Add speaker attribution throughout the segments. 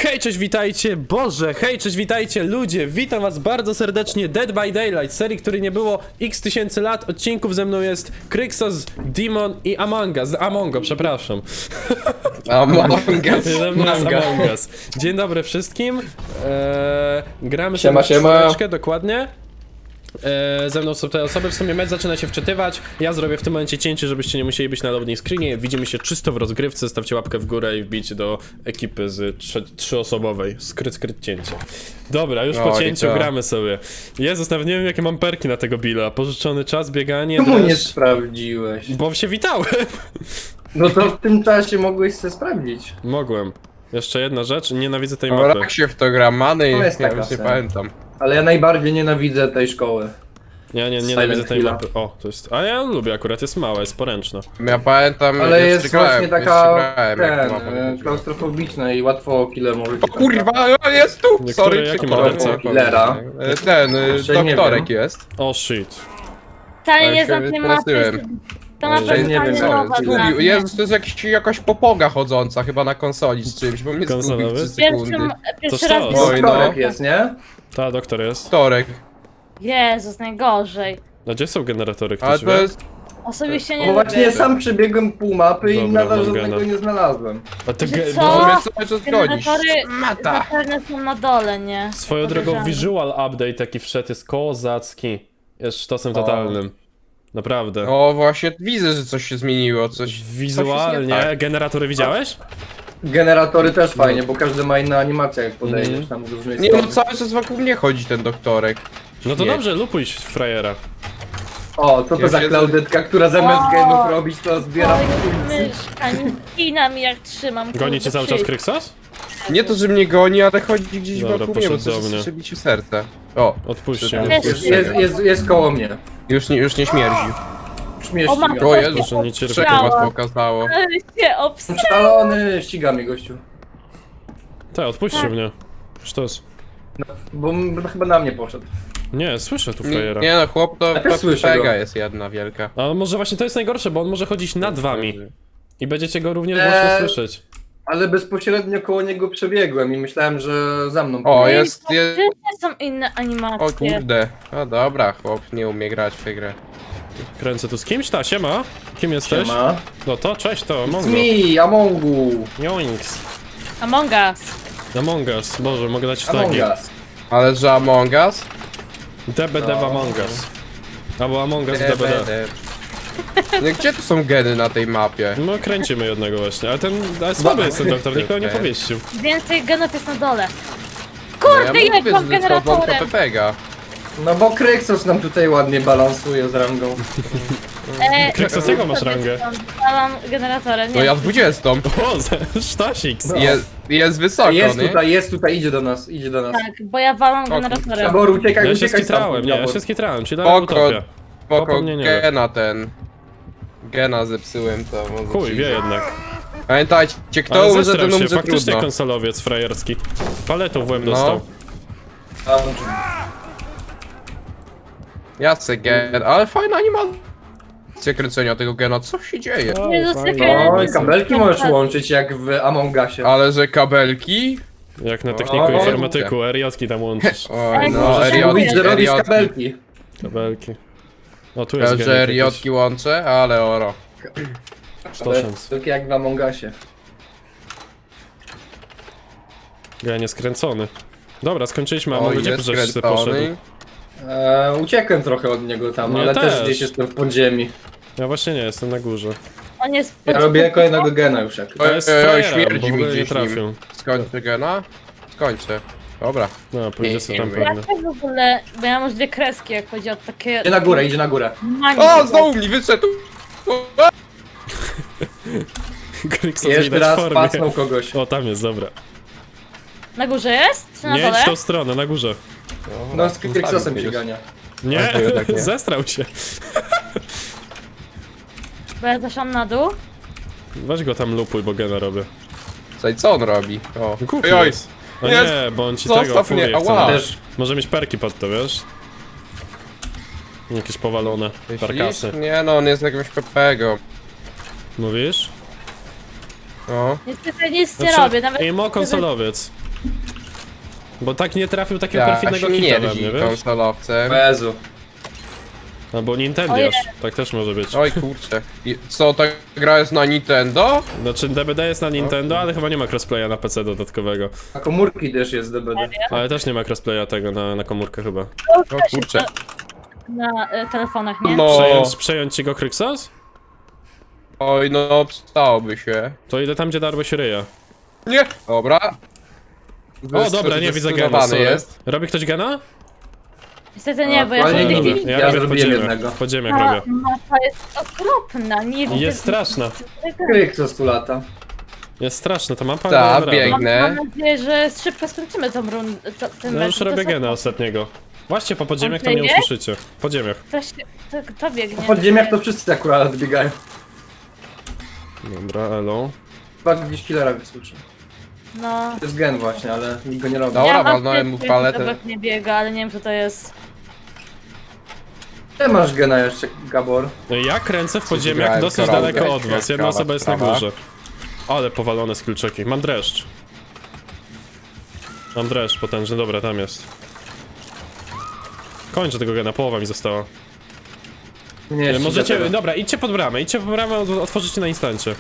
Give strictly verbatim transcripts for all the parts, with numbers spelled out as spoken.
Speaker 1: Hej, cześć, witajcie, Boże, hej, cześć, witajcie, ludzie, witam was bardzo serdecznie, Dead by Daylight, serii, której nie było x tysięcy lat, odcinków ze mną jest Kryksos, Demon i Among Us, Amongo, przepraszam.
Speaker 2: Among Us.
Speaker 1: Ze mną jest Among Us. Dzień dobry wszystkim, eee, gramy
Speaker 2: Siema,
Speaker 1: sobie w
Speaker 2: siema.
Speaker 1: czwóreczkę, dokładnie. Eee, ze mną są te osoby, w sumie mecz zaczyna się wczytywać. Ja zrobię w tym momencie cięcie, żebyście nie musieli być na loading screenie. Widzimy się czysto w rozgrywce, stawcie łapkę w górę i wbijcie do ekipy z trzy, trzyosobowej. Skryt, skryt cięcie. Dobra, już po
Speaker 2: Oj,
Speaker 1: cięciu
Speaker 2: to.
Speaker 1: gramy sobie. Jezus, nawet nie wiem jakie mam perki na tego Billa. Pożyczony czas, bieganie,
Speaker 3: Czemu nie
Speaker 1: dreszcz.
Speaker 3: sprawdziłeś?
Speaker 1: Bo się witałem.
Speaker 3: No to w tym czasie mogłeś sobie sprawdzić.
Speaker 1: Mogłem. Jeszcze jedna rzecz, nienawidzę tej
Speaker 2: No
Speaker 1: mapy.
Speaker 2: jak się w to gra, Many,
Speaker 3: To jest
Speaker 2: ja
Speaker 3: taka
Speaker 2: już nie
Speaker 3: scena.
Speaker 2: pamiętam.
Speaker 3: Ale ja najbardziej nienawidzę tej szkoły.
Speaker 1: Ja nie,
Speaker 3: Silent
Speaker 1: nienawidzę tej
Speaker 3: Hilla.
Speaker 1: mapy. O, to jest... A ja ją lubię akurat, jest mała, jest poręczna.
Speaker 2: Ja pamiętam,
Speaker 3: Ale
Speaker 2: jeszcze
Speaker 3: jest
Speaker 2: grałem,
Speaker 3: właśnie
Speaker 2: jeszcze
Speaker 3: taka
Speaker 2: grałem, jak
Speaker 3: ten,
Speaker 2: mapa
Speaker 3: e,
Speaker 2: wychodziła.
Speaker 3: klaustrofobiczna i łatwo killer może
Speaker 2: O kurwa, o, jest tu!
Speaker 1: Niektóre
Speaker 2: Sorry,
Speaker 1: jakie
Speaker 2: przepraszam.
Speaker 1: morderca?
Speaker 3: Killera.
Speaker 2: E, Ten, e,
Speaker 3: Jeszcze nie
Speaker 2: doktorek
Speaker 3: wiem.
Speaker 2: jest.
Speaker 1: O, shit.
Speaker 4: Ta
Speaker 2: Ale
Speaker 4: nie
Speaker 2: się
Speaker 4: znam tej mapy.
Speaker 2: wystraszyłem.
Speaker 4: To mapa
Speaker 1: Że
Speaker 4: jest
Speaker 3: nie wiem,
Speaker 4: totalnie
Speaker 3: co
Speaker 4: nowa
Speaker 3: jest.
Speaker 4: dla
Speaker 2: Zgubił.
Speaker 4: mnie.
Speaker 2: Jezus, to jest jakiś, jakaś popoga chodząca chyba na konsoli z czymś, bo mnie zgubił
Speaker 1: Konsolowy?
Speaker 2: trzy sekundy.
Speaker 4: Pierwszym, pierwszy
Speaker 1: To
Speaker 4: raz
Speaker 1: sztos.
Speaker 4: widzę-
Speaker 2: Oj, no.
Speaker 3: Doktorek jest, nie?
Speaker 1: Ta, doktor jest.
Speaker 2: Doktorek.
Speaker 4: Jezus, najgorzej.
Speaker 1: A gdzie są generatory, ktoś
Speaker 2: Ale
Speaker 1: wie?
Speaker 2: to jest...
Speaker 4: Osobiście nie
Speaker 3: Bo właśnie
Speaker 4: lubię.
Speaker 3: sam przebiegłem pół mapy i
Speaker 1: Dobra,
Speaker 3: nadal
Speaker 1: mam
Speaker 3: żadnego
Speaker 1: gena.
Speaker 3: nie znalazłem.
Speaker 1: A ty
Speaker 4: Że
Speaker 1: ge-
Speaker 4: co?
Speaker 2: To
Speaker 4: O,
Speaker 2: mnie cały czas gonisz.
Speaker 4: Generatory
Speaker 2: Mata.
Speaker 4: zapewne są na dole, nie?
Speaker 1: Swoją drogą
Speaker 4: Podejrzane.
Speaker 1: visual update taki wszedł jest kozacki. Jest sztosem totalnym. Naprawdę.
Speaker 2: O, właśnie widzę, że coś się zmieniło, coś... coś jest nie
Speaker 1: Wizualnie,
Speaker 2: tak.
Speaker 1: generatory widziałeś?
Speaker 3: Generatory też fajnie, bo każdy ma inną animację jak podejdziesz
Speaker 1: Mhm.
Speaker 3: tam z różnej
Speaker 2: Nie no,
Speaker 3: strony.
Speaker 2: cały czas wokół mnie chodzi ten doktorek.
Speaker 1: No to
Speaker 2: Nie.
Speaker 1: dobrze, lupuj frajera.
Speaker 3: O, co to
Speaker 2: Ja
Speaker 3: za
Speaker 2: siedzę-
Speaker 3: Klaudytka, która zamiast
Speaker 4: O!
Speaker 3: genów robić to zbiera
Speaker 4: Oj,
Speaker 3: punkty.
Speaker 4: myszka, ginam mi jak trzymam.
Speaker 1: Goni cię cały czas Kryksos?
Speaker 2: Nie to, że mnie goni, ale chodzi gdzieś
Speaker 1: Dobra,
Speaker 2: wokół mnie, bo
Speaker 1: poszedł do
Speaker 2: coś
Speaker 1: mnie.
Speaker 2: słyszę bicie serce. O,
Speaker 1: Odpuśćcie
Speaker 2: Jest-
Speaker 1: mnie.
Speaker 3: Jest, jest, jest, jest koło mnie.
Speaker 2: już nie, już nie śmierdzi.
Speaker 3: Już mnie
Speaker 4: O,
Speaker 3: ściga.
Speaker 4: matko.
Speaker 2: O
Speaker 4: się
Speaker 2: Jezus,
Speaker 1: Że nie cierpię.
Speaker 2: trzech
Speaker 4: obsrałam.
Speaker 2: was pokazało.
Speaker 4: Ale się obs...
Speaker 3: Szalony, ściga mnie gościu.
Speaker 1: Te, odpuśćcie mnie. Sztos.
Speaker 3: Bo m- chyba na mnie poszedł.
Speaker 1: Nie, słyszę tu
Speaker 2: Nie,
Speaker 1: frajera.
Speaker 2: nie no, chłop to
Speaker 3: Ja też słyszę
Speaker 2: pega
Speaker 3: go.
Speaker 2: jest jedna wielka.
Speaker 1: A może właśnie to jest najgorsze, bo on może chodzić nad wami. I będziecie go również
Speaker 3: Eee.
Speaker 1: głośno słyszeć.
Speaker 3: Ale bezpośrednio koło niego przebiegłem i myślałem, że za mną
Speaker 2: O,
Speaker 3: pójdzie.
Speaker 2: jest, jest...
Speaker 4: Gdzie są inne
Speaker 2: O
Speaker 4: animacje?
Speaker 2: kurde. No dobra, chłop nie umie grać w tę grę.
Speaker 1: Kręcę tu z kimś, ta, siema. Kim jesteś?
Speaker 3: Siema.
Speaker 1: No to, cześć, to
Speaker 3: It's
Speaker 1: Mongo.
Speaker 3: me, Amongu.
Speaker 1: Joinks.
Speaker 4: Among Us.
Speaker 1: Among Us, Boże, mogę dać
Speaker 3: Among
Speaker 1: flagi.
Speaker 3: Us.
Speaker 2: Ale że Among Us?
Speaker 1: D B D w
Speaker 3: No.
Speaker 1: Among Us. Albo Among Us D B D.
Speaker 2: No, gdzie tu są geny na tej mapie?
Speaker 1: No kręcimy jednego właśnie, ale ten, ale słaby jest ten doktor, nikogo nie
Speaker 2: Okej.
Speaker 1: powieścił.
Speaker 4: Więcej genów jest na dole.
Speaker 2: No, ja
Speaker 4: Kurde, jak
Speaker 2: mówię,
Speaker 4: mam
Speaker 2: że słabą
Speaker 4: generatorem.
Speaker 2: Pepega.
Speaker 3: No bo Kryksos nam tutaj ładnie balansuje z rangą.
Speaker 4: E,
Speaker 1: Kryksos, jaką masz rangę?
Speaker 4: Ja mam generatorem,
Speaker 2: No
Speaker 4: nie.
Speaker 2: ja dwudziestą.
Speaker 1: O, ze- sztosik.
Speaker 3: No.
Speaker 2: Jest, jest wysoko,
Speaker 3: Jest
Speaker 2: nie?
Speaker 3: tutaj, jest tutaj, idzie do nas, idzie do nas.
Speaker 4: Tak, bo ja walam
Speaker 2: kurczę.
Speaker 4: generatorem.
Speaker 3: Gabor, uciekaj,
Speaker 1: Ja się
Speaker 3: uciekaj
Speaker 1: skitrałem, nie, ja
Speaker 3: Gabor.
Speaker 1: się skitrałem, czyli na
Speaker 2: Spoko,
Speaker 1: utopia.
Speaker 2: spoko,
Speaker 1: Popomnienie.
Speaker 2: gena ten. Gena zepsułem, to może
Speaker 1: Chuj,
Speaker 2: ci-
Speaker 1: wie jednak.
Speaker 2: Pamiętajcie, kto
Speaker 1: Ale
Speaker 2: umrze,
Speaker 1: zestrał
Speaker 2: ten
Speaker 1: się,
Speaker 2: umrze
Speaker 1: faktycznie
Speaker 2: trudno.
Speaker 1: konsolowiec frajerski. Paletą w łeb
Speaker 2: No.
Speaker 1: dostał.
Speaker 3: Tam.
Speaker 2: Jacek gen, ale fajna animacja kręcenia tego gena, co się dzieje?
Speaker 1: O,
Speaker 4: Jezus,
Speaker 1: fajnie.
Speaker 4: jakie-
Speaker 3: No i kabelki możesz łączyć jak w Among Usie.
Speaker 2: Ale że kabelki?
Speaker 1: Jak na techniku
Speaker 3: O,
Speaker 1: informatyku, R J-ki tam łączysz.
Speaker 2: Oj
Speaker 4: Ej,
Speaker 2: no,
Speaker 4: możesz
Speaker 3: Możesz mówić, że robisz
Speaker 2: eriotki.
Speaker 3: kabelki.
Speaker 1: Kabelki. O, tu jest
Speaker 2: Ja,
Speaker 1: genek
Speaker 2: że
Speaker 1: jakiś.
Speaker 2: eriotki łączę, ale oro.
Speaker 1: Sztosząc.
Speaker 3: Tylko jak w Among Usie.
Speaker 1: Ja nie skręcony. Dobra, skończyliśmy, a
Speaker 2: O,
Speaker 1: może gdzie
Speaker 2: jest
Speaker 1: żeś sobie poszedł?
Speaker 2: skręcony.
Speaker 3: Eee, uciekłem trochę od niego tam,
Speaker 1: Ja
Speaker 3: ale też.
Speaker 1: też.
Speaker 3: gdzieś jestem w podziemi.
Speaker 1: Ja właśnie nie, jestem na górze.
Speaker 4: On jest...
Speaker 3: Ja robię kolejnego gena już jak.
Speaker 1: To
Speaker 2: Oj,
Speaker 1: jest
Speaker 2: oj, oj,
Speaker 1: frajera,
Speaker 2: śmierdzi
Speaker 1: bo w
Speaker 2: mi
Speaker 1: ogóle nie
Speaker 2: gdzieś nim.
Speaker 1: trafił.
Speaker 2: Skończę gena? Skończę. Dobra.
Speaker 1: No, pójdzie sobie tam
Speaker 2: Nie,
Speaker 1: pewnie.
Speaker 4: Dlaczego w ogóle... Bo ja mam już dwie kreski, jak chodzi o takie...
Speaker 3: Idzie na górę, idzie na górę.
Speaker 4: Mani.
Speaker 2: O, znowu mi wyszedł!
Speaker 1: Kryksos
Speaker 3: Jeszcze
Speaker 1: widać w
Speaker 3: raz
Speaker 1: formie.
Speaker 3: pacnął kogoś.
Speaker 1: O, tam jest, dobra.
Speaker 4: Na górze jest? Czy na
Speaker 1: Nie
Speaker 4: dole?
Speaker 1: idź w tą stronę, na górze.
Speaker 3: No z Kryksosem się gania.
Speaker 1: Nie,
Speaker 2: A, to jednak nie.
Speaker 1: zestrał się.
Speaker 4: Bo ja zeszłam na dół.
Speaker 1: Weź go tam lupuj, bo gena robię.
Speaker 2: Słuchaj, co on robi? O.
Speaker 1: Głupi
Speaker 2: Oj, oj.
Speaker 1: jest. O
Speaker 2: Jest.
Speaker 1: nie, bo on ci
Speaker 2: Zostaw
Speaker 1: tego furię
Speaker 2: mnie,
Speaker 1: chce.
Speaker 2: ała.
Speaker 1: na-
Speaker 3: Też
Speaker 1: Może mieć perki pod to, wiesz? Jakieś powalone parkasy.
Speaker 2: Myślisz? Nie no, on jest jakimś pepego.
Speaker 1: Mówisz?
Speaker 2: No.
Speaker 4: Niestety nic nie
Speaker 1: Znaczy,
Speaker 4: robię, nawet...
Speaker 1: Imo konsolowiec. Bo tak nie trafił takiego
Speaker 2: Ja,
Speaker 1: perfidnego
Speaker 2: się
Speaker 1: hita we
Speaker 2: mierdzi
Speaker 1: mnie, wiesz?
Speaker 2: konsolowcem.
Speaker 3: Jezu.
Speaker 1: Albo Nintendiasz, tak też może być.
Speaker 2: Oj kurczę. I co, ta gra jest na Nintendo?
Speaker 1: Znaczy D B D jest na Nintendo, ale chyba nie ma crossplaya na P C dodatkowego.
Speaker 3: A komórki też jest D B D.
Speaker 1: Ale też nie ma crossplaya tego na, na komórkę chyba.
Speaker 2: O kurczę.
Speaker 4: Na y, telefonach, nie?
Speaker 2: No.
Speaker 1: Przejąć, przejąć ci go Kryksos?
Speaker 2: Oj, no przydałoby się.
Speaker 1: To idę tam, gdzie darłeś ryja.
Speaker 2: Nie! Dobra.
Speaker 1: O, dobra, nie widzę gena,
Speaker 2: Zdecydowany
Speaker 1: sorry.
Speaker 2: jest.
Speaker 1: Robi ktoś gena?
Speaker 4: Niestety nie, bo ja
Speaker 3: Ale
Speaker 4: w
Speaker 3: nie,
Speaker 4: tej
Speaker 3: nie,
Speaker 4: chwili...
Speaker 3: Ja
Speaker 1: Ja robię w
Speaker 3: zrobiłem
Speaker 1: podziemiach,
Speaker 3: jednego.
Speaker 1: w podziemiach
Speaker 4: Ta
Speaker 1: robię.
Speaker 4: mapa jest okropna, nie widzę...
Speaker 1: Jest straszna.
Speaker 3: Kryk co stu lata.
Speaker 1: Jest straszna ta mapa,
Speaker 2: Ta,
Speaker 1: ale dobra.
Speaker 2: bieg-
Speaker 4: Mam,
Speaker 2: biegnę.
Speaker 4: mam nadzieję, że szybko skończymy tą rundę. To, ten
Speaker 1: Ja
Speaker 4: mecz,
Speaker 1: już
Speaker 4: bo to
Speaker 1: robię
Speaker 4: są-
Speaker 1: gena ostatniego. Właśnie po podziemiach to
Speaker 4: On
Speaker 1: mnie
Speaker 4: biegnie?
Speaker 1: usłyszycie. W podziemiach.
Speaker 4: To, się, to, to biegnie.
Speaker 3: W podziemiach to wszyscy akurat biegają.
Speaker 1: Dobra, elo.
Speaker 3: Chyba gdzieś killera wysłyszy.
Speaker 4: No...
Speaker 3: To jest gen właśnie, ale nikt go nie robi.
Speaker 2: Dobra,
Speaker 4: ja mam
Speaker 2: walnąłem mu
Speaker 4: pierwszy,
Speaker 2: paletę.
Speaker 4: obok nie biega, ale nie wiem co to jest.
Speaker 3: Ty masz gena jeszcze, Gabor.
Speaker 1: No i ja kręcę w podziemiach
Speaker 2: grałem
Speaker 1: dosyć
Speaker 2: koralkę,
Speaker 1: daleko od was. Jedna
Speaker 2: ciekawa
Speaker 1: osoba jest na
Speaker 2: sprawa.
Speaker 1: górze. Ale powalone skillczeki. Mam dreszcz. Mam dreszcz potężny, dobra, tam jest. Kończę tego gena, połowa mi została.
Speaker 3: Nie, jeszcze
Speaker 1: Możecie,
Speaker 3: tego.
Speaker 1: dobra, idźcie pod bramę, idźcie pod bramę, od- otworzycie na instancie.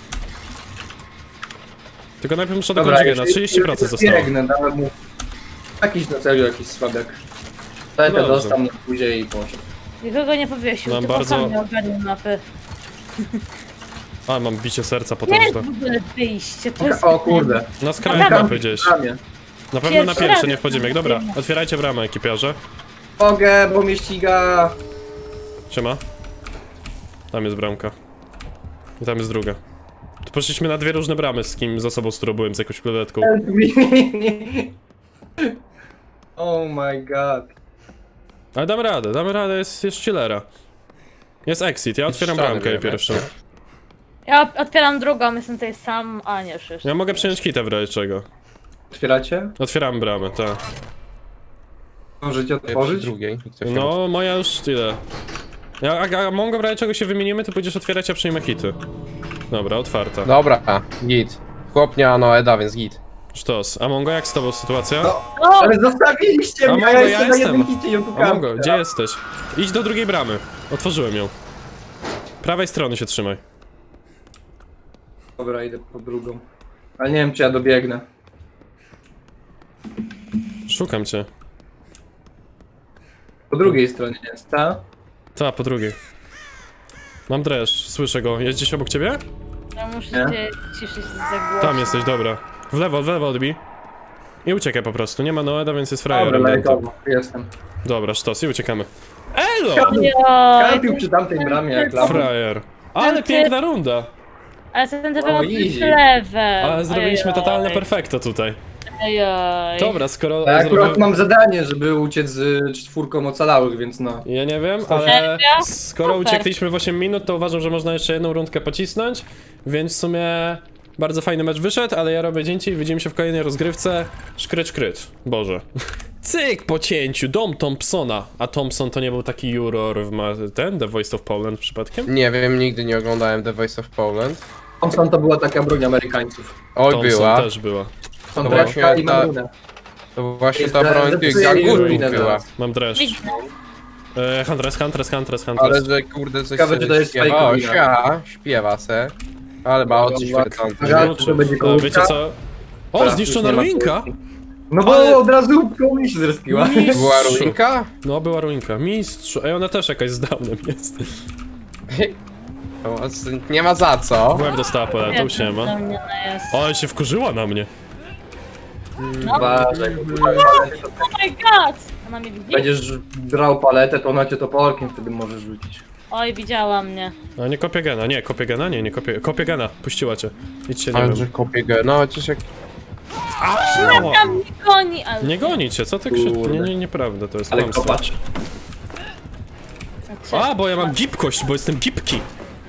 Speaker 1: Tylko najpierw muszę dokończyć gena,
Speaker 3: jeśli-
Speaker 1: trzydzieści procent
Speaker 3: jeśli
Speaker 1: zostało.
Speaker 3: Biegnę, dałem mu jakiś na celu, jakiś słabek. Daj to
Speaker 1: Dobrze.
Speaker 3: dostał na później i poszedł.
Speaker 4: Nikogo nie powiesił,
Speaker 1: Mam
Speaker 4: tylko
Speaker 1: bardzo-
Speaker 4: sam nie ogarnił mapy.
Speaker 1: A, mam bicie serca
Speaker 4: Nie jest
Speaker 1: potężne.
Speaker 4: w ogóle wyjście, to jest...
Speaker 3: O kurde.
Speaker 1: Na skraju mapy gdzieś.
Speaker 3: Ramię.
Speaker 1: Na pewno na
Speaker 4: Pierwszy
Speaker 1: pierwsze,
Speaker 4: raz.
Speaker 1: nie w podziemiach. Dobra, otwierajcie bramę, ekipiarze.
Speaker 3: Mogę, bo mnie ściga.
Speaker 1: Siema. Tam jest bramka. I tam jest druga. Tu poszliśmy na dwie różne bramy z kim, z osobą, z którą byłem, z jakąś planetką.
Speaker 3: Help me. Oh my god.
Speaker 1: Ale damy radę, damy radę, jest, jest chillera. Jest exit, ja otwieram
Speaker 2: ściany
Speaker 1: bramkę
Speaker 2: wiemy.
Speaker 1: pierwszą.
Speaker 4: Ja op- otwieram drugą, jestem tutaj sam, a nie już.
Speaker 1: Ja mogę przyjąć kitę w razie czego.
Speaker 3: Otwieracie?
Speaker 1: Otwieram bramę, tak.
Speaker 3: Możecie
Speaker 2: Przy
Speaker 3: otworzyć?
Speaker 2: drugiej. Ktoś tam-
Speaker 1: No, moja już tyle. Ja, a, a Mongo w razie czego się wymienimy, to pójdziesz otwierać, a przyjmę hity. Dobra, otwarta.
Speaker 2: Dobra, git. Chłopnia no Eda, więc git.
Speaker 1: Sztos. A Mongo, jak z tobą sytuacja?
Speaker 3: No.
Speaker 4: O!
Speaker 3: Ale zostawiliście
Speaker 1: A
Speaker 3: mnie,
Speaker 1: Mongo,
Speaker 3: a ja
Speaker 1: ja
Speaker 3: jeszcze na
Speaker 1: jestem.
Speaker 3: jednym hicie ją
Speaker 1: A
Speaker 3: pukałem.
Speaker 1: Mongo, gdzie jesteś? Idź do drugiej bramy. Otworzyłem ją. Prawej strony się trzymaj.
Speaker 3: Dobra, idę po drugą. Ale nie wiem, czy ja dobiegnę.
Speaker 1: Szukam cię.
Speaker 3: Po drugiej stronie jest, ta?
Speaker 1: Ta, po drugiej. Mam dreszcz, słyszę go. Jest gdzieś obok ciebie?
Speaker 4: Ja muszę
Speaker 3: Nie?
Speaker 4: się ciszyć za głośno.
Speaker 1: Tam jesteś, dobra. W lewo, w lewo odbij. I uciekaj po prostu. Nie ma Noeda, więc jest
Speaker 3: Dobra,
Speaker 1: frajerem.
Speaker 3: lajkowo, jestem.
Speaker 1: Dobra, sztos i uciekamy. Elo!
Speaker 4: Ojoj,
Speaker 3: Kampił przy tamtej bramie jak lama.
Speaker 1: Frajer. Ale
Speaker 4: Ty-
Speaker 1: piękna runda.
Speaker 4: ale co ten
Speaker 3: O,
Speaker 4: temat
Speaker 3: easy.
Speaker 4: jest level.
Speaker 1: Ale zrobiliśmy
Speaker 4: Ojoj.
Speaker 1: totalne perfekto tutaj.
Speaker 4: Ojoj.
Speaker 1: Dobra, skoro...
Speaker 3: Ja akurat
Speaker 1: zrobiłem-
Speaker 3: mam zadanie, żeby uciec z czwórką ocalałych, więc no.
Speaker 1: Ja nie wiem, ale
Speaker 4: Serio?
Speaker 1: skoro
Speaker 4: Super.
Speaker 1: uciekliśmy w osiem minut, to uważam, że można jeszcze jedną rundkę pocisnąć, więc w sumie bardzo fajny mecz wyszedł, ale ja robię dzięki i widzimy się w kolejnej rozgrywce. Szkryt, szkryt. Boże. Cyk po cięciu, dom Thompsona. A Thompson to nie był taki juror w ma... ten? The Voice of Poland przypadkiem?
Speaker 2: Nie wiem, nigdy nie oglądałem The Voice of Poland.
Speaker 3: Thompson to była taka broń Amerykańców.
Speaker 2: Oj,
Speaker 1: Thompson
Speaker 2: była.
Speaker 1: też była.
Speaker 3: Są
Speaker 2: No
Speaker 3: drewka
Speaker 2: właśnie
Speaker 3: i
Speaker 2: ta-
Speaker 3: marunę.
Speaker 2: To właśnie
Speaker 3: Jest
Speaker 2: ta
Speaker 3: za-
Speaker 2: broń tych
Speaker 3: zepsuje mi
Speaker 2: gangurów
Speaker 3: ruinę
Speaker 2: była.
Speaker 3: zaraz.
Speaker 1: Mam dreszcz.
Speaker 4: Widzę.
Speaker 1: E, Huntress, Huntress, Huntress,
Speaker 2: Ale
Speaker 1: Huntress.
Speaker 2: że kurde coś
Speaker 3: Ciekawe,
Speaker 2: sobie
Speaker 3: czy to jest
Speaker 2: śpiewa.
Speaker 3: fake
Speaker 2: O,
Speaker 3: wina.
Speaker 2: sia, śpiewa se. Ale ma oczy świecące.
Speaker 3: Żart, że będzie
Speaker 1: A
Speaker 3: kołówka.
Speaker 1: wiecie co? O,
Speaker 3: Teraz
Speaker 1: zniszczona
Speaker 3: już nie ma
Speaker 1: ruinka!
Speaker 3: kołówki. No bo
Speaker 1: Ale-
Speaker 3: od razu koło mnie się zrespiła.
Speaker 2: Była ruinka?
Speaker 1: No, była ruinka. Mistrz. Ej, ona też jakaś z downem jest.
Speaker 2: O, z- Nie ma za co.
Speaker 1: W łeb dostała poletą, siema.
Speaker 4: Do mnie ona jest.
Speaker 1: O, ale się wkurzyła na mnie.
Speaker 3: Uważaj, kurwa.
Speaker 4: Oh my god! Ona mnie widzi?
Speaker 3: Będziesz drał paletę, to ona cię toporkiem wtedy możesz rzucić.
Speaker 4: Oj, widziała mnie.
Speaker 1: A nie kopię gena, nie, kopię gena, nie, nie kopię, kopię gena, puściła cię. Idźcie, nie
Speaker 2: Ale że
Speaker 1: wiem.
Speaker 2: kopię go. No, chociaż jak...
Speaker 1: Au!
Speaker 4: Tam mnie goni, ale...
Speaker 1: Nie goni cię, co ty krzyczysz?
Speaker 3: Kurde.
Speaker 1: Nie, nie, nieprawda, to jest
Speaker 3: Ale
Speaker 1: kłamstwo.
Speaker 3: kopacz.
Speaker 1: A, bo ja mam gibkość, bo jestem gibki.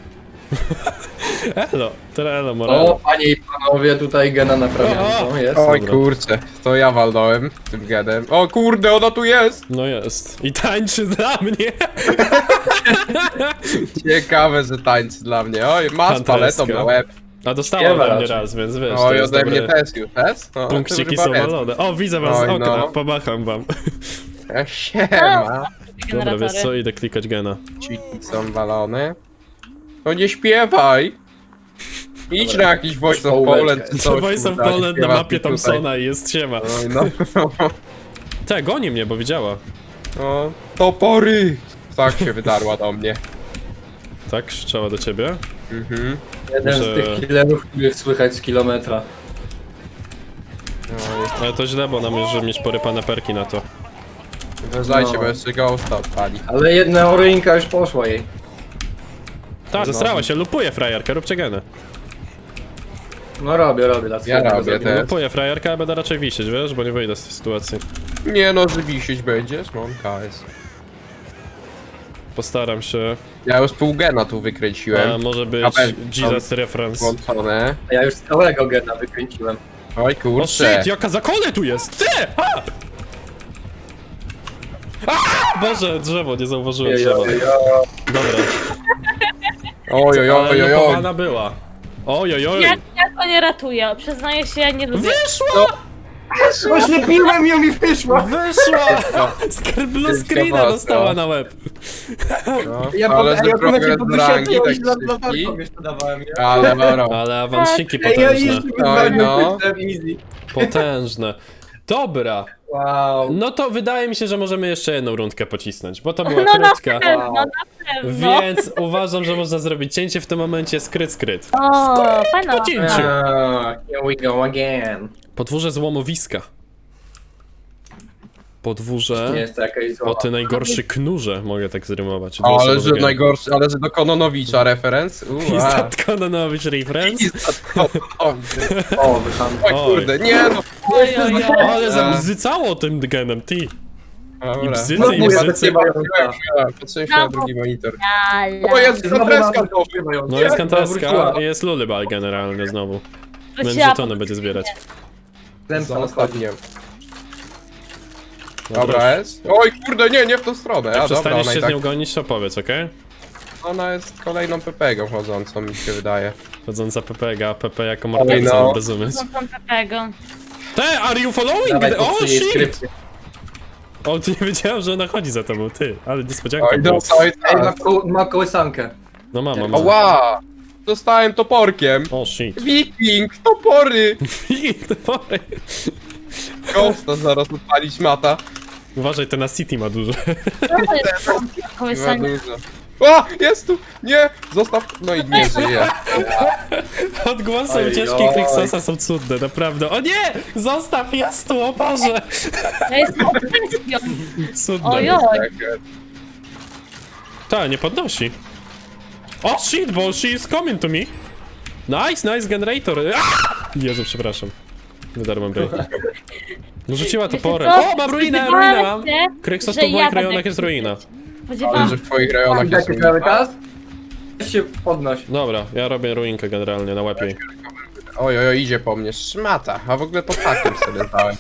Speaker 1: Elo, teraz elo,
Speaker 3: O,
Speaker 1: morale.
Speaker 3: panie i panowie, tutaj gena naprawiam.
Speaker 1: O,
Speaker 3: O, jest.
Speaker 2: Oj
Speaker 1: Dobra.
Speaker 2: kurczę, to ja walnąłem tym gedem. O kurde, ona tu jest!
Speaker 1: No jest. I tańczy dla mnie.
Speaker 2: Ciekawe, że tańczy dla mnie. Oj, masz
Speaker 1: Fantastyka.
Speaker 2: paletą na łeb.
Speaker 1: A dostała
Speaker 3: Śpiewa
Speaker 1: ode mnie
Speaker 3: raczej.
Speaker 1: raz, więc wiesz, to
Speaker 2: Oj,
Speaker 1: jest
Speaker 2: ode mnie
Speaker 1: dobre.
Speaker 2: też już, też? No,
Speaker 1: Punkciki
Speaker 2: to chyba
Speaker 1: są
Speaker 2: wiedzą.
Speaker 1: walone. O, widzę was z
Speaker 2: Oj,
Speaker 1: okna,
Speaker 2: no.
Speaker 1: pomacham wam.
Speaker 2: E, Siema.
Speaker 1: Dobra, wiesz co, idę klikać gena.
Speaker 2: Ciki są walone. No nie śpiewaj! Idź na jakiś Voice of
Speaker 3: Połóweczkę.
Speaker 2: Poland czy coś.
Speaker 1: Voice of
Speaker 2: kurwa,
Speaker 1: Poland na
Speaker 2: śpiewasz
Speaker 1: mapie
Speaker 2: mi tutaj.
Speaker 1: Thompsona i jest siema.
Speaker 2: Oj, no.
Speaker 1: Te, goni mnie, bo widziała.
Speaker 2: No, topory! Tak się wydarła do mnie.
Speaker 1: Tak, krzyczała do ciebie.
Speaker 2: Mhm.
Speaker 3: Jeden
Speaker 1: Muszę-
Speaker 3: z tych killerów, których słychać z kilometra.
Speaker 2: Oj,
Speaker 1: Ale to źle, bo nam już mieć porypane perki na to.
Speaker 2: uważajcie,
Speaker 3: No.
Speaker 2: bo jeszcze ghosta odpali.
Speaker 3: Ale jedna oryjka już poszła jej.
Speaker 1: Tak,
Speaker 2: No.
Speaker 1: zesrała się, lupuje frajerkę, róbcie geny.
Speaker 3: No robię, robię. dla swojego
Speaker 2: robię
Speaker 3: zrobię.
Speaker 2: też.
Speaker 1: Lupuję frajerkę, ale będę raczej wisieć, wiesz, bo nie wyjdę z tej sytuacji.
Speaker 2: Nie no, że wisieć będziesz, no K S.
Speaker 1: Postaram się.
Speaker 2: Ja już pół gena tu
Speaker 1: A
Speaker 2: wykręciłem.
Speaker 1: może być
Speaker 2: Na pewno.
Speaker 1: Jesus reference.
Speaker 2: Włączone.
Speaker 3: A ja już całego gena wykręciłem.
Speaker 2: Oj
Speaker 1: O
Speaker 2: kurczę.
Speaker 1: shit, jaka zakole tu jest! Ty! A! A! Boże, drzewo, nie zauważyłem drzewa.
Speaker 3: Jojojo.
Speaker 1: Dobra,
Speaker 2: Oj, oj,
Speaker 1: ale
Speaker 2: oj, oj, oj.
Speaker 1: lupowana była. Oj, oj, oj.
Speaker 4: Ja, ja to nie ratuję, przyznaję się, ja nie lubię.
Speaker 1: Wyszła!
Speaker 3: Oślepiłem ją i wyszła!
Speaker 1: Wyszła! Z blue screena
Speaker 2: mocno.
Speaker 1: dostała na łeb.
Speaker 2: No,
Speaker 3: Ja
Speaker 2: ale
Speaker 3: po,
Speaker 2: że
Speaker 3: ja po mecie
Speaker 2: progres
Speaker 3: po
Speaker 2: do rangi
Speaker 3: wysiadku
Speaker 2: tak
Speaker 3: i za
Speaker 2: szybki.
Speaker 3: latarką jeszcze dawałem, nie?
Speaker 2: Ale moro.
Speaker 1: Ale awansiki
Speaker 3: Ej, ja
Speaker 1: potężne.
Speaker 3: jeszcze
Speaker 2: Oj, no.
Speaker 3: wybrałem easy.
Speaker 1: Potężne. Dobra,
Speaker 3: Wow.
Speaker 1: no to wydaje mi się, że możemy jeszcze jedną rundkę pocisnąć, bo to była
Speaker 4: No na
Speaker 1: krótka.
Speaker 4: pewno, na pewno.
Speaker 1: Więc uważam, że można zrobić cięcie w tym momencie, skryt, skryt.
Speaker 4: O, fajna.
Speaker 1: Po cięciu.
Speaker 3: Ah, here we go again.
Speaker 1: Podwórze złomowiska. Podwórze
Speaker 3: Nie jest to jakaś
Speaker 1: o
Speaker 3: zła.
Speaker 1: ty najgorszy knurze, mogę tak zrymować.
Speaker 2: Ale
Speaker 1: Dwuosobowy
Speaker 2: że
Speaker 1: gen.
Speaker 2: najgorszy, ale że do Kononowicza referenc.
Speaker 1: Is
Speaker 2: Uaa.
Speaker 1: that Kononowicz reference?
Speaker 2: Kononowicz.
Speaker 3: O, wycham.
Speaker 2: Oj
Speaker 1: Oj.
Speaker 2: kurde, nie no.
Speaker 4: Oj, oj, oj.
Speaker 1: Ale zabzycało tym genem, ty. I
Speaker 2: Dobra.
Speaker 1: bzycy,
Speaker 3: No,
Speaker 1: i
Speaker 3: mówię,
Speaker 1: bzycy.
Speaker 2: Patrzę się na drugi monitor.
Speaker 4: Ala.
Speaker 2: O, jest
Speaker 3: Znowu
Speaker 2: kantreska
Speaker 3: mam-
Speaker 2: to.
Speaker 1: No jest kantaska
Speaker 3: wróciła.
Speaker 1: i jest lullybal generalnie znowu. Więc
Speaker 4: Wróciła
Speaker 1: żetony
Speaker 4: po-
Speaker 1: będzie zbierać.
Speaker 3: Zemsta
Speaker 2: Za
Speaker 3: nadchodzi.
Speaker 2: ostatnim. Dobra jest. Oj kurde, nie, nie w tą stronę.
Speaker 1: Jak
Speaker 2: A dobra,
Speaker 1: przestaniesz
Speaker 2: ona
Speaker 1: się
Speaker 2: i
Speaker 1: z
Speaker 2: tak,
Speaker 1: nią gonić, to powiedz, okej?
Speaker 2: ona jest kolejną pepegą chodzącą, mi się wydaje.
Speaker 1: Chodząca P P G, P P jako
Speaker 2: Oj,
Speaker 1: morderca,
Speaker 2: no.
Speaker 1: bez umysł.
Speaker 4: Są tam Pepego.
Speaker 1: Te, are you following?
Speaker 3: Dawaj,
Speaker 1: O,
Speaker 3: popsuj jej
Speaker 1: shit!
Speaker 3: skrypcję.
Speaker 1: O, ty nie wiedziałem, że ona chodzi za tobą, ty. Ale niespodzianka
Speaker 2: Oj,
Speaker 1: była.
Speaker 2: no, oj,
Speaker 3: Ej, ma,
Speaker 2: tak.
Speaker 3: ko ma kołysankę.
Speaker 1: No mam, mam. mam.
Speaker 2: Ała! Dostałem toporkiem.
Speaker 1: O, shit.
Speaker 2: Wiking, topory!
Speaker 1: To pory.
Speaker 2: Ghosta zaraz odpalić mata.
Speaker 1: Uważaj, ten na City ma dużo.
Speaker 4: Co to jest tam
Speaker 2: Nie ma
Speaker 4: kołysanie?
Speaker 2: dużo. O! Jest tu! Nie! Zostaw! No i nie żyje.
Speaker 1: Odgłosy
Speaker 3: Oj,
Speaker 1: ucieczki
Speaker 3: oj.
Speaker 1: Krixosa są cudne, naprawdę. O nie! Zostaw, jest tu, o Boże!
Speaker 4: Ja jestem obsesją.
Speaker 1: Cudne.
Speaker 4: Ojoj.
Speaker 2: Tak,
Speaker 1: Ta, nie podnosi. O shit, bo she is coming to me. Nice, nice generator. Ah! Jezu, przepraszam. Wydarłem break. No rzuciła toporem.
Speaker 4: Wiecie co?
Speaker 1: O, mam ruinę,
Speaker 4: Spodziewałam
Speaker 1: ruinę mam.
Speaker 4: się,
Speaker 1: Kryksos
Speaker 4: że
Speaker 1: to w moich
Speaker 4: ja będę
Speaker 1: rejonach jest ruina.
Speaker 2: ale
Speaker 4: Spodziewałam
Speaker 2: że w twoich rejonach jest
Speaker 3: Jaki cały czas? Weź się podnoś.
Speaker 1: Dobra, ja robię ruinkę generalnie na łapie.
Speaker 2: Oj, oj, oj, idzie po mnie. Szmata. A w ogóle pod hakiem sobie dałem.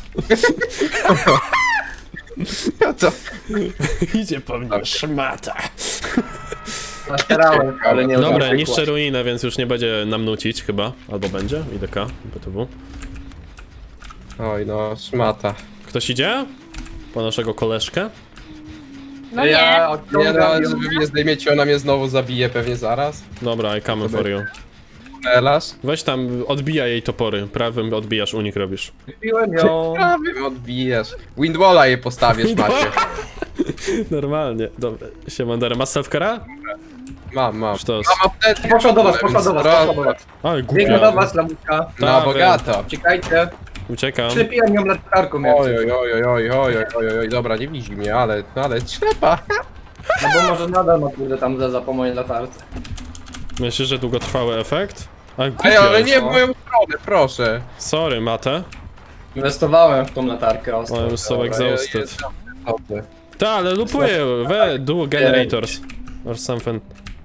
Speaker 2: Ja to...
Speaker 1: Idzie po mnie szmata.
Speaker 3: Nastarałem, ale nie
Speaker 1: Dobra,
Speaker 3: udało się
Speaker 1: niszczę
Speaker 3: kłaść.
Speaker 1: ruinę, więc już nie będzie nam nucić chyba. Albo będzie? I D K, B T W.
Speaker 2: Oj, no, szmata.
Speaker 1: Ktoś idzie? Po naszego koleżkę?
Speaker 4: No nie.
Speaker 3: Ja
Speaker 2: Nie
Speaker 3: odciągam
Speaker 2: no,
Speaker 3: ją.
Speaker 2: żeby mnie zdejmiecie, ona mnie znowu zabije pewnie zaraz.
Speaker 1: Dobra, I come for you.
Speaker 2: Elasz.
Speaker 1: Weź tam, odbijaj jej topory. Prawym odbijasz, unik robisz.
Speaker 3: Kupiłem ją.
Speaker 2: Prawie mnie odbijesz. Windwalla je postawisz, macie.
Speaker 1: Normalnie. Dobra, siemandera. Masz self-cara?
Speaker 2: Mam, mam.
Speaker 1: Sztos.
Speaker 2: Mam apteczkę.
Speaker 3: Poszła do was, poszła do was, poszła do was.
Speaker 1: Oj,
Speaker 3: Biegnę do
Speaker 1: głupia.
Speaker 3: was, lamuszka.
Speaker 2: Na
Speaker 1: Tak,
Speaker 2: bogato.
Speaker 3: Uciekajcie.
Speaker 1: Uciekam.
Speaker 3: Ślepiłem ją latarką jak
Speaker 2: Oj,
Speaker 3: coś.
Speaker 2: oj, oj, oj, oj, oj, oj, oj, oj, dobra, nie widzi mnie, ale, ale ślepa.
Speaker 3: No bo może nadal ma kurde tam za, za po mojej latarce.
Speaker 1: Myślisz, że długotrwały efekt? A
Speaker 2: Ej,
Speaker 1: głupia
Speaker 2: ale
Speaker 1: jest.
Speaker 2: nie w moją stronę, proszę.
Speaker 1: Sorry, Mate.
Speaker 3: Inwestowałem w tą latarkę ostro.
Speaker 1: I'm so
Speaker 2: Dobra,
Speaker 1: exhausted.
Speaker 2: jest- dobrze.
Speaker 1: Ta, ale lupuję. We, do generators. Or something.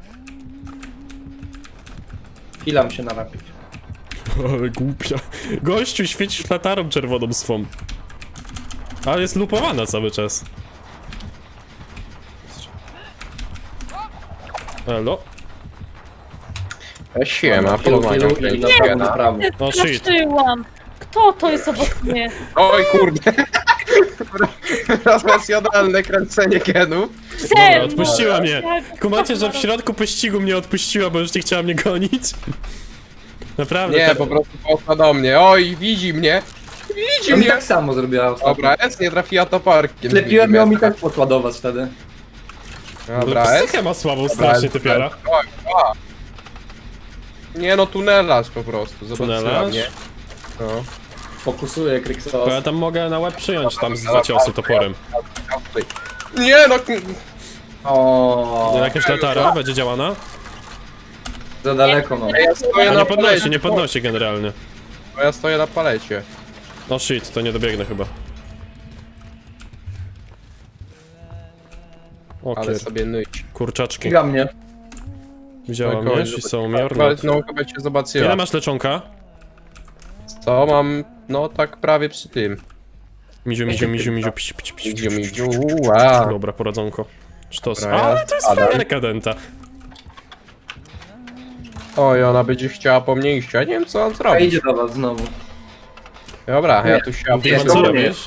Speaker 3: Chwilam się narapić.
Speaker 1: Ale głupia. Gościu, świecisz latarą czerwoną swą. Ale jest lupowana cały czas. Elo.
Speaker 2: E, Siema,
Speaker 3: Kilu,
Speaker 2: polowanie
Speaker 3: kilu i na
Speaker 2: kręci
Speaker 3: prawo,
Speaker 2: gena.
Speaker 3: na prawo.
Speaker 1: O, shit.
Speaker 4: Straszyłam. Kto to jest obok mnie?
Speaker 2: Oj kurde. Profesjonalne kręcenie genów.
Speaker 1: Dobra, odpuściła mnie. Kumacie, że w środku pościgu mnie odpuściła, bo już nie chciała mnie gonić? Naprawdę,
Speaker 2: Nie,
Speaker 1: tak-
Speaker 2: po prostu poszła do mnie. Oj, widzi mnie. Widzi
Speaker 3: Ja mi
Speaker 2: mnie.
Speaker 3: tak samo zrobiła ostatnio.
Speaker 2: Dobra, S nie trafiła toparkiem.
Speaker 3: Klepiłem ją i tak poszła do was wtedy.
Speaker 2: Dobra, S.
Speaker 1: Psychę ma słabą strasznie, typiara.
Speaker 2: Oj, a. Nie no, tunelarz po prostu. Zobaczyła
Speaker 1: Tunelarz?
Speaker 2: mnie. No.
Speaker 3: Fokusuję
Speaker 1: Bo
Speaker 3: Kryksos.
Speaker 1: ja tam mogę na łeb przyjąć tam z dwa ciosy toporem.
Speaker 2: Nie no.
Speaker 3: O,
Speaker 1: Jakaś latara będzie działana?
Speaker 3: za daleko no.
Speaker 2: Ja stoję
Speaker 1: A
Speaker 2: na
Speaker 1: nie podnosi,
Speaker 2: palecie.
Speaker 1: nie podnosi generalnie.
Speaker 2: Ja stoję na palecie.
Speaker 1: O shit, to nie dobiegnę chyba. O
Speaker 2: Ale
Speaker 1: kier,
Speaker 2: sobie nyć.
Speaker 1: kurczaczki.
Speaker 3: Kiga mnie.
Speaker 1: Widziała
Speaker 2: Tak,
Speaker 1: mnie,
Speaker 2: oj,
Speaker 1: she
Speaker 2: zobacz-
Speaker 1: saw me or
Speaker 2: Ale
Speaker 1: not.
Speaker 2: no chyba cię zobaczyła.
Speaker 1: Ile masz leczonka?
Speaker 2: Co mam? No tak prawie przy tym.
Speaker 1: Miziu, miziu, miziu, miziu, pś, pś, pś,
Speaker 2: Midziu,
Speaker 1: pś,
Speaker 2: midziu,
Speaker 1: pś, pś.
Speaker 2: ua.
Speaker 1: Dobra, poradzonko. Sztos.
Speaker 2: Dobra,
Speaker 1: Ale
Speaker 2: ja
Speaker 1: to jest
Speaker 2: spadam.
Speaker 1: fajerka denta.
Speaker 2: Oj, ona będzie chciała po mnie iść, ja nie wiem co on
Speaker 3: A
Speaker 2: zrobi.
Speaker 3: idzie do was znowu.
Speaker 2: Dobra, ja tu się
Speaker 1: Dimon, co
Speaker 3: Znowu nie.
Speaker 1: robisz?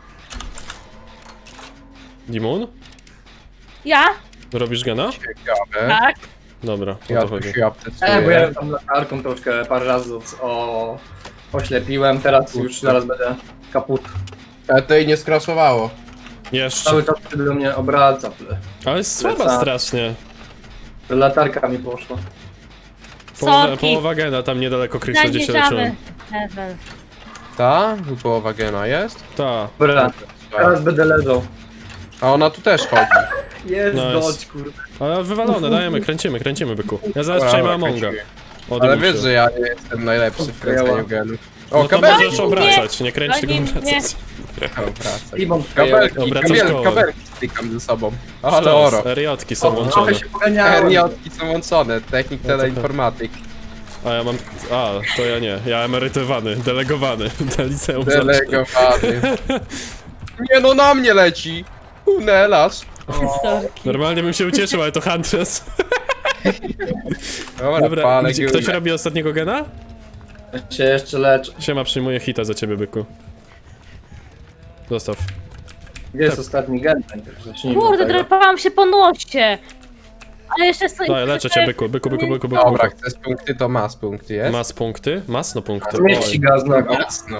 Speaker 1: Dimon?
Speaker 4: Ja?
Speaker 1: Robisz gena?
Speaker 2: Ciekawe.
Speaker 4: Tak.
Speaker 1: Dobra, o
Speaker 2: Ja
Speaker 1: to
Speaker 2: tu
Speaker 1: chodzi.
Speaker 2: się
Speaker 3: E, bo ja
Speaker 2: aptecuję.
Speaker 3: tam latarką troszkę parę razy o... oślepiłem, teraz już zaraz będę kaput.
Speaker 2: Ale to jej nie skraszowało.
Speaker 1: Jeszcze.
Speaker 3: Cały czas do mnie obraca. ple.
Speaker 1: Ale jest słaba
Speaker 3: Lecę.
Speaker 1: strasznie.
Speaker 3: Latarka mi poszła.
Speaker 1: Połowa,
Speaker 4: Soki.
Speaker 1: połowa gena tam niedaleko Krista, gdzie się leczyłem.
Speaker 4: Zaniżamy. Level.
Speaker 2: Ta? Tu połowa gena jest?
Speaker 1: Ta.
Speaker 3: Dobra, teraz będę leżał.
Speaker 2: A ona tu też chodzi.
Speaker 3: Jest
Speaker 1: Nice.
Speaker 3: dość, kurde.
Speaker 1: Ale wywalone, dajemy, kręcimy, kręcimy, byku. Ja zaraz
Speaker 2: Dobra,
Speaker 1: przejmę
Speaker 2: dobra,
Speaker 1: Amonga.
Speaker 2: kręcimy.
Speaker 1: O,
Speaker 2: Ale
Speaker 1: Dymusiu.
Speaker 2: wiesz, że ja nie jestem najlepszy w kręceniu genów. O,
Speaker 1: No to
Speaker 2: kabelki!
Speaker 1: możesz obracać, nie kręć, tylko
Speaker 4: Goni mnie.
Speaker 1: obracać.
Speaker 2: Obracaj.
Speaker 3: Limon
Speaker 2: Kabelki,
Speaker 1: Obracasz
Speaker 2: kabel,
Speaker 1: koło.
Speaker 2: kabelki stykam ze sobą. Ale
Speaker 1: Sztos,
Speaker 2: oro.
Speaker 1: Eriotki są
Speaker 3: O,
Speaker 1: łączone.
Speaker 3: trochę się poganiałem.
Speaker 2: Herniotki są łączone, technik
Speaker 1: No to-
Speaker 2: teleinformatyk.
Speaker 1: A ja mam... A, to ja nie. Ja emerytowany, delegowany do liceum. żarcie.
Speaker 2: Delegowany. Nie no, na mnie leci! Tunelarz.
Speaker 4: Sorki.
Speaker 1: Normalnie bym się ucieszył, ale to Huntress.
Speaker 2: Dobra,
Speaker 1: Dobra,
Speaker 2: palę
Speaker 1: gdzie,
Speaker 2: górę.
Speaker 1: ktoś robi ostatniego gena?
Speaker 3: Się jeszcze leczę.
Speaker 1: Siema, przyjmuję hita za ciebie, byku. Zostaw.
Speaker 3: Gdzie jest ostatni gen? Najpierw zacznijmy
Speaker 4: Kurde,
Speaker 3: od tego.
Speaker 4: drapałam się po nosie. Ale jeszcze stoi.
Speaker 1: Daj, leczę cię, byku, byku, byku, byku, byku.
Speaker 2: Dobra, chcesz punkty, to mas punkty, jest?
Speaker 1: Mas punkty? Masno punkty.
Speaker 3: Zmieści
Speaker 1: Oj,
Speaker 3: gaz znowu.
Speaker 2: Jasno.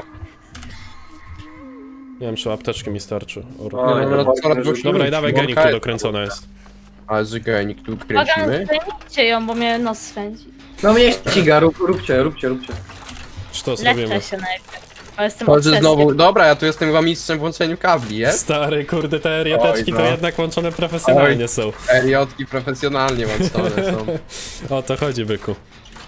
Speaker 1: nie wiem, czy apteczki mi starczy. O,
Speaker 3: O,
Speaker 2: No, no,
Speaker 3: no,
Speaker 2: coraz
Speaker 3: no,
Speaker 2: głośniej.
Speaker 1: Dobra, i dawaj
Speaker 2: Łąka
Speaker 1: genik, tu
Speaker 2: jest.
Speaker 1: dokręcona jest.
Speaker 2: Ale że genik tu
Speaker 4: Uwaga,
Speaker 2: kręcimy.
Speaker 4: zdejmijcie ją, bo mnie nos swędzi.
Speaker 3: No mnie ściga, rób, róbcie, róbcie, róbcie.
Speaker 1: Czy to zrobimy?
Speaker 4: Leczę się najpierw. Bo jestem
Speaker 2: Chodź
Speaker 4: obsesją.
Speaker 2: znowu, dobra, ja tu jestem chyba mistrzem w łączeniu kabli, jest?
Speaker 1: Stary, kurde, te erioteczki
Speaker 2: Oj,
Speaker 1: to
Speaker 2: no.
Speaker 1: jednak łączone profesjonalnie
Speaker 2: Oj.
Speaker 1: są.
Speaker 2: Eriotki profesjonalnie łączone są.
Speaker 1: O to chodzi, byku.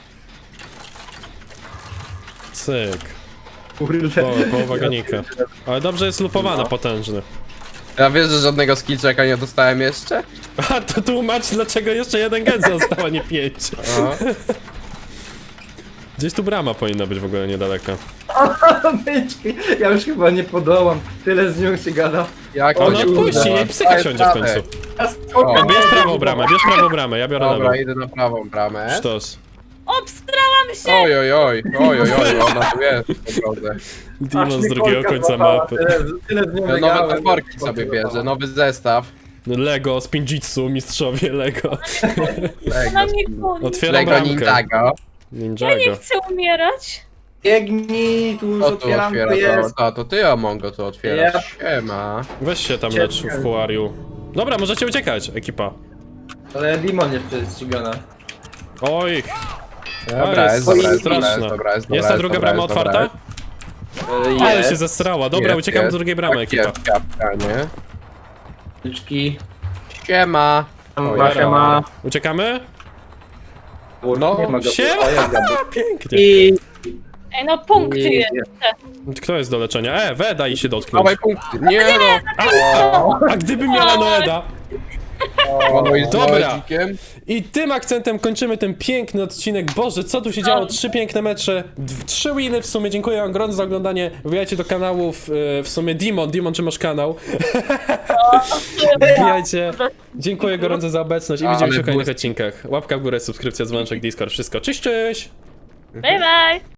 Speaker 1: Cyk.
Speaker 3: Kurde.
Speaker 1: Po, połowa genika. Ale dobrze jest lupowane, potężny.
Speaker 2: Ja wiesz, że żadnego skill checka nie dostałem jeszcze?
Speaker 1: A to tłumacz, dlaczego jeszcze jeden gen został, a nie pięć.
Speaker 2: No.
Speaker 1: Gdzieś tu brama powinna być w ogóle niedaleka.
Speaker 3: Byczki, ja już chyba nie podołam. Tyle z nią się gada.
Speaker 2: Jak
Speaker 3: O,
Speaker 1: O,
Speaker 2: to
Speaker 1: no
Speaker 2: się
Speaker 1: odpuści,
Speaker 2: uda?
Speaker 1: jej psycha
Speaker 2: Daj
Speaker 1: siądzie w
Speaker 2: radę.
Speaker 1: końcu.
Speaker 3: Ja spoko,
Speaker 2: O.
Speaker 1: Bierz prawą bramę, bierz prawą bramę, ja biorę lewą.
Speaker 2: Dobra, idę na prawą bramę.
Speaker 1: Sztos.
Speaker 4: Obstrałam się!
Speaker 2: Oj, oj, oj, oj, oj, oj, ona tu jest po drodze.
Speaker 1: Demon z
Speaker 3: Aż mnie
Speaker 1: drugiego
Speaker 3: kolka
Speaker 1: końca
Speaker 3: złapała,
Speaker 1: mapy.
Speaker 3: Tyle, tyle z nią
Speaker 2: Ja nowe
Speaker 3: biegałem.
Speaker 2: toporki sobie bierze, nowy zestaw.
Speaker 1: Lego, spinjitsu, mistrzowie Lego.
Speaker 4: Ona
Speaker 2: Lego,
Speaker 4: mnie goni.
Speaker 1: Otwieram
Speaker 2: Lego
Speaker 1: bramkę.
Speaker 2: Ninjago.
Speaker 4: Ja nie
Speaker 1: Ninjago.
Speaker 4: chcę umierać.
Speaker 3: Biegnij, tu już
Speaker 2: To tu
Speaker 3: otwieram, to
Speaker 2: otwiera, to,
Speaker 3: jest.
Speaker 2: to, to ty Amongo to otwierasz.
Speaker 3: Ja.
Speaker 2: Siema.
Speaker 1: Weź się tam lecz w kuariu. Dobra, możecie uciekać, ekipa.
Speaker 3: Ale Dimon jeszcze jest ścigana.
Speaker 1: Oj,
Speaker 2: Dobra,
Speaker 1: jest
Speaker 2: jest dobra, jest
Speaker 1: straszna.
Speaker 2: dobra, jest dobra, jest dobra.
Speaker 1: jest ta druga
Speaker 2: dobra,
Speaker 1: brama
Speaker 2: jest dobra,
Speaker 1: otwarta?
Speaker 3: E,
Speaker 1: Ale
Speaker 3: jest.
Speaker 1: się zestrała. Dobra,
Speaker 2: Jest,
Speaker 1: uciekam
Speaker 2: jest.
Speaker 1: do drugiej bramy,
Speaker 2: Tak
Speaker 1: ekipa.
Speaker 2: jest, kapka, nie?
Speaker 3: Byczki.
Speaker 2: Siema.
Speaker 3: Tam
Speaker 2: Oj,
Speaker 3: się ma.
Speaker 1: Uciekamy?
Speaker 2: No,
Speaker 3: nie ma go.
Speaker 1: siema!
Speaker 3: O, jest gaby.
Speaker 1: Pięknie.
Speaker 3: I...
Speaker 4: Ej, no punkty
Speaker 3: i-
Speaker 4: jest.
Speaker 1: Kto jest do leczenia? E, Weda i się dotknąć.
Speaker 2: Dawaj punkty. Nie no.
Speaker 1: A gdyby miała Noeda?
Speaker 2: O, i z
Speaker 1: Dobra.
Speaker 2: lodzikiem.
Speaker 1: I tym akcentem kończymy ten piękny odcinek. Boże, co tu się działo? Trzy piękne mecze, d- trzy winy w sumie. Dziękuję wam gorąco za oglądanie. Wbijajcie do kanałów, e, w sumie Dimon. Dimon, czy masz kanał? Wbijajcie. Dziękuję gorąco za obecność i
Speaker 2: Ale
Speaker 1: widzimy się w kolejnych
Speaker 2: błysk-
Speaker 1: odcinkach. Łapka w górę, subskrypcja, dzwoneczek, Discord, wszystko. Cześć, cześć!
Speaker 4: Bye bye!